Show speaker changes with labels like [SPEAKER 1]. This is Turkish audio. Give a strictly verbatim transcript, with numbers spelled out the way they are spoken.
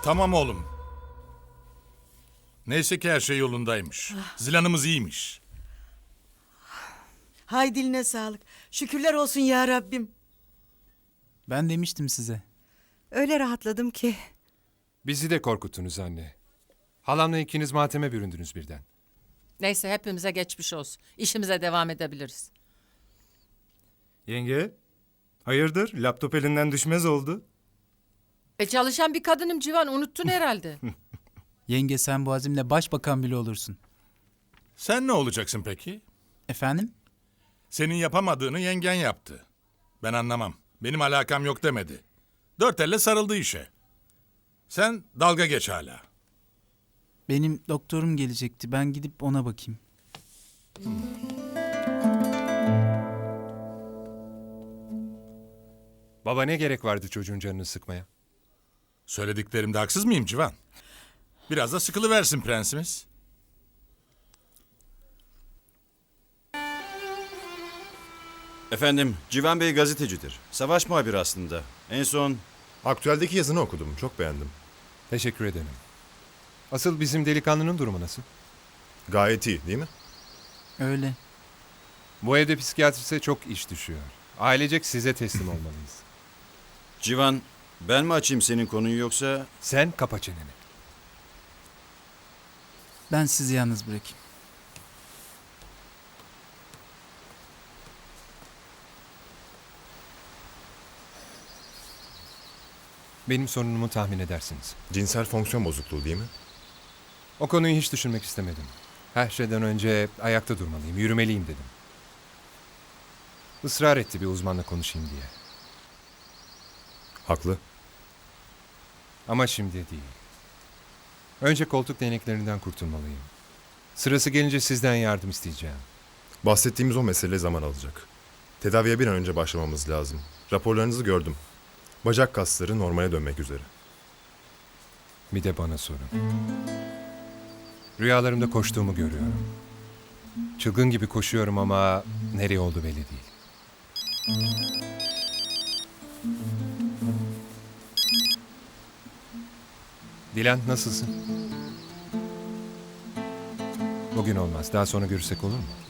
[SPEAKER 1] Tamam oğlum. Neyse ki her şey yolundaymış. Zilanımız iyiymiş.
[SPEAKER 2] Hay diline sağlık. Şükürler olsun ya Rabbim.
[SPEAKER 3] Ben demiştim size.
[SPEAKER 4] Öyle rahatladım ki.
[SPEAKER 5] Bizi de korkuttunuz anne. Halamla ikiniz mateme büründünüz birden.
[SPEAKER 6] Neyse hepimize geçmiş olsun. İşimize devam edebiliriz.
[SPEAKER 7] Yenge, hayırdır? Laptop elinden düşmez oldu.
[SPEAKER 6] E çalışan bir kadınım Civan, unuttun herhalde.
[SPEAKER 3] Yenge sen bu azimle başbakan bile olursun.
[SPEAKER 1] Sen ne olacaksın peki?
[SPEAKER 3] Efendim?
[SPEAKER 1] Senin yapamadığını yengen yaptı. Ben anlamam. Benim alakam yok demedi. Dört elle sarıldı işe. Sen dalga geç hala.
[SPEAKER 3] Benim doktorum gelecekti. Ben gidip ona bakayım.
[SPEAKER 5] Baba ne gerek vardı çocuğun canını sıkmaya?
[SPEAKER 1] Söylediklerimde haksız mıyım Civan? Biraz da sıkılıversin prensimiz.
[SPEAKER 8] Efendim, Civan Bey gazetecidir. Savaş muhabiri aslında. En son...
[SPEAKER 9] Aktüeldeki yazını okudum. Çok beğendim.
[SPEAKER 5] Teşekkür ederim. Asıl bizim delikanlının durumu nasıl?
[SPEAKER 9] Gayet iyi değil mi?
[SPEAKER 3] Öyle.
[SPEAKER 5] Bu evde psikiyatrise çok iş düşüyor. Ailecek size teslim olmalıyız.
[SPEAKER 8] Civan, ben mi açayım senin konuyu yoksa...
[SPEAKER 5] Sen kapa çeneni.
[SPEAKER 3] Ben sizi yalnız bırakayım.
[SPEAKER 5] Benim sorunumu tahmin edersiniz.
[SPEAKER 9] Cinsel fonksiyon bozukluğu değil mi?
[SPEAKER 5] O konuyu hiç düşünmek istemedim. Her şeyden önce ayakta durmalıyım, yürümeliyim dedim. Israr etti bir uzmanla konuşayım diye.
[SPEAKER 9] Haklı.
[SPEAKER 5] Ama şimdi değil. Önce koltuk değneklerinden kurtulmalıyım. Sırası gelince sizden yardım isteyeceğim.
[SPEAKER 9] Bahsettiğimiz o mesele zaman alacak. Tedaviye bir an önce başlamamız lazım. Raporlarınızı gördüm. Bacak kasları normale dönmek üzere.
[SPEAKER 5] Bir de bana sorun. Rüyalarımda koştuğumu görüyorum. Çılgın gibi koşuyorum ama nereye oldu belli değil. Dilan nasılsın? Bugün olmaz. Daha sonra görüşsek olur mu?